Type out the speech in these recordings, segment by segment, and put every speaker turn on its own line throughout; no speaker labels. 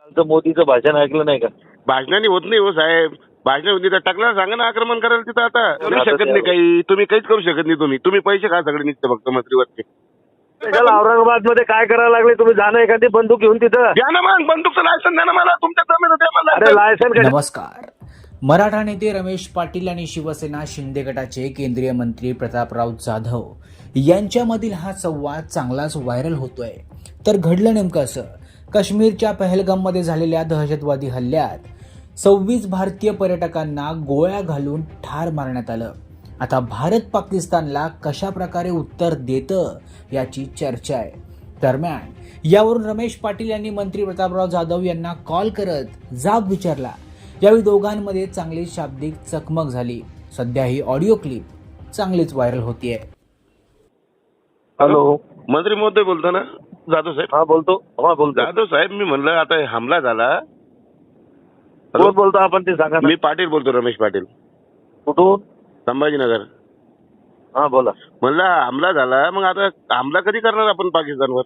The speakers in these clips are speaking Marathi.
कालचं मोदीचं भाषण ऐकलं नाही का?
भाषणाने होत नाही हो साहेब. भाषण होती तर टाकला सांगा ना आक्रमण करायला तिथं. आता करू
आता
शकत नाही काही. तुम्ही काहीच करू शकत नाही. तुम्ही पैसे खा सगळे निघते फक्त मंत्रीवरचे.
त्याला औरंगाबाद मध्ये काय करायला लागले तुम्ही? जाणं एखादी बंदूक घेऊन तिथं.
द्या ना मग बंदूकचं लायसन द्या ना मला. तुमच्या जमीन द्या मला.
अरे लायसन
नमस्कार. मराठा नेते रमेश पाटील आणि शिवसेना शिंदे गटाचे केंद्रीय मंत्री प्रतापराव जाधव यांच्यामधील हा संवाद चांगलाच व्हायरल होतोय. तर घडलं नेमकं असं. काश्मीरच्या पहलगाममध्ये झालेल्या दहशतवादी हल्ल्यात 26 भारतीय पर्यटकांना गोळ्या घालून ठार मारण्यात आलं. आता भारत पाकिस्तानला कशा प्रकारे उत्तर देतं याची चर्चा आहे. दरम्यान यावरून रमेश पाटील यांनी मंत्री प्रतापराव जाधव यांना कॉल करत जाब विचारला. यावेळी दोघांमध्ये चांगली शाब्दिक चकमक झाली. सध्या ही ऑडिओ क्लिप चांगलीच व्हायरल होतीये.
हॅलो,
मंत्री महोदय बोलतो ना? जाधव साहेब.
हा बोलतो. हा बोलतो.
जाधव साहेब मी म्हणलं आता हमला झाला.
कोण बोलतो आपण ते सांगा ना.
मी पाटील बोलतो, रमेश पाटील,
कुठून?
संभाजीनगर.
हा बोला.
म्हणलं हमला झाला, मग आता हमला कधी करणार आपण पाकिस्तानवर?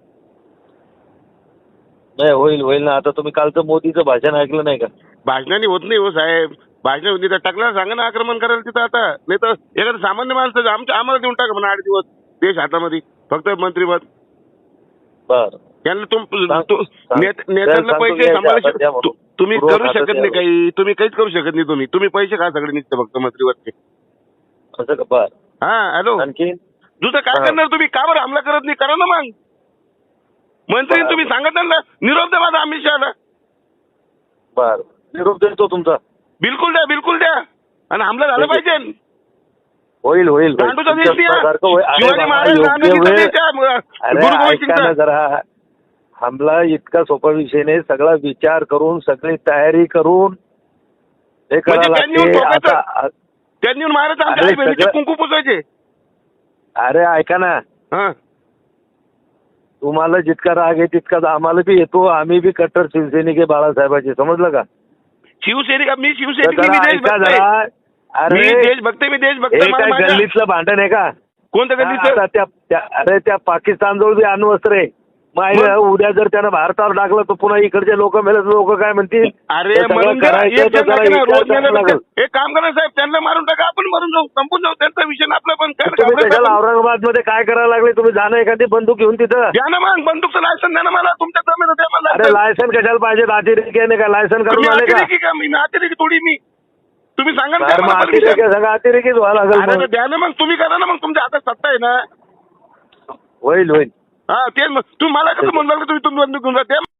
नाही, होईल ना. आता तुम्ही कालचं मोदीचं भाषण ऐकलं नाही का?
भाषणाने होत नाही हो साहेब. भाषण होती तर टाकला सांगा ना आक्रमण करायला तिथं. आता नाही तर एखादं सामान्य माणसं आम्हाला देऊन टाका म्हणा 8 दिवस देश हातामध्ये, फक्त मंत्रीपद.
बर,
त्यांना नेत्यांना पैसे सांभाळू तुम्ही करू शकत नाही काही. तुम्ही काहीच करू शकत नाही. तुम्ही पैसे खा सगळे निघते फक्त मंत्रीवरचे.
असं का? बर.
हा हॅलो,
आणखी
दुसरं काय करणार तुम्ही? का बरं हमला करत नाही? करा ना मग. मंत्री तुम्ही सांगत ना निरोप द्या माझा अमित शहाला.
बर, निरोप देतो तुमचा.
बिलकुल द्या, बिलकुल द्या. आणि हमला झाला पाहिजे.
होईल.
गांडूचा देश द्या.
अरे
शिवाजी महाराज गांधीचा देश द्या. गुरु गोविंद
ऐका ना
सिंगचा.
जरा. हमला इतका सोपा विषय नाही. सगळा विचार करून, सगळी तयारी करून हे करायला
म्हणजे त्यांनी येऊन
लागते.
ठोकायचं.
आता
त्यांनी येऊन महाराज आमच्या
अरे
आई बहिणीचे
सगळं-
कुंकू पुसायचे.
अरे ऐका ना,
हा
तुम्हाला जितका राग आहे तितकाच आम्हाला बी येतो. आम्ही बी कट्टर शिवसैनिक आहे बाळासाहेबांचे, समजलं का?
शिवसैनिक. मी
तर
शिवसैनिक.
जरा
मी
ऐका
देशभक्त
जरा.
आहे.
अरे
मी देशभक्त आहे. मी देशभक्त
हे
आहे.
काय
माझ्या-
गल्लीतलं भांडण आहे का?
कोणतं गल्लीचं?
आता अरे त्या पाकिस्तानजवळ बी अण्वस्त्र आहे. मग उद्या जर त्यानं भारतावर टाकलं तर पुन्हा इकडचे लोक मेले, लोक काय म्हणतील?
अरे
हे सगळं
म्हणून जरा
करायचं
एक
तर
जण
जरा
आहे ना,
विचार
रोज
करावा
मेलं
लागेल.
तर एक काम करा साहेब, त्यांना मारून टाका, आपण मरून जाऊ, संपून जाऊ. त्यांचा विषय आपला. पण काय
तुम्ही त्याला
घाबरायचं?
औरंगाबाद मध्ये काय करायला लागले? तुम्ही जाणं एखादी बंदूक घेऊन तिथं.
द्या ना मग बंदूकचं लायसन द्या ना मला. तुमच्या जमीन द्या मला.
अरे लायसन कशाला पाहिजे? अतिरेकी आहे का? लायसन
तुम्ही
करून आले का?
अतिरेकी का? मी अतिरेकी थोडी. मी तुम्ही सांगा ना
अरे मग
मला
अतिरेकी
permission.
सगळं अतिरेकीच व्हायला
अरे
लागेल.
तर द्या ना मग. तुम्ही करा ना मग. तुमच्या हातात सत्ता आहे ना.
होईल.
हा तेच मग. तुम्ही मला कसं म्हणू लागलं तुम्ही बंदूक घेऊन जा?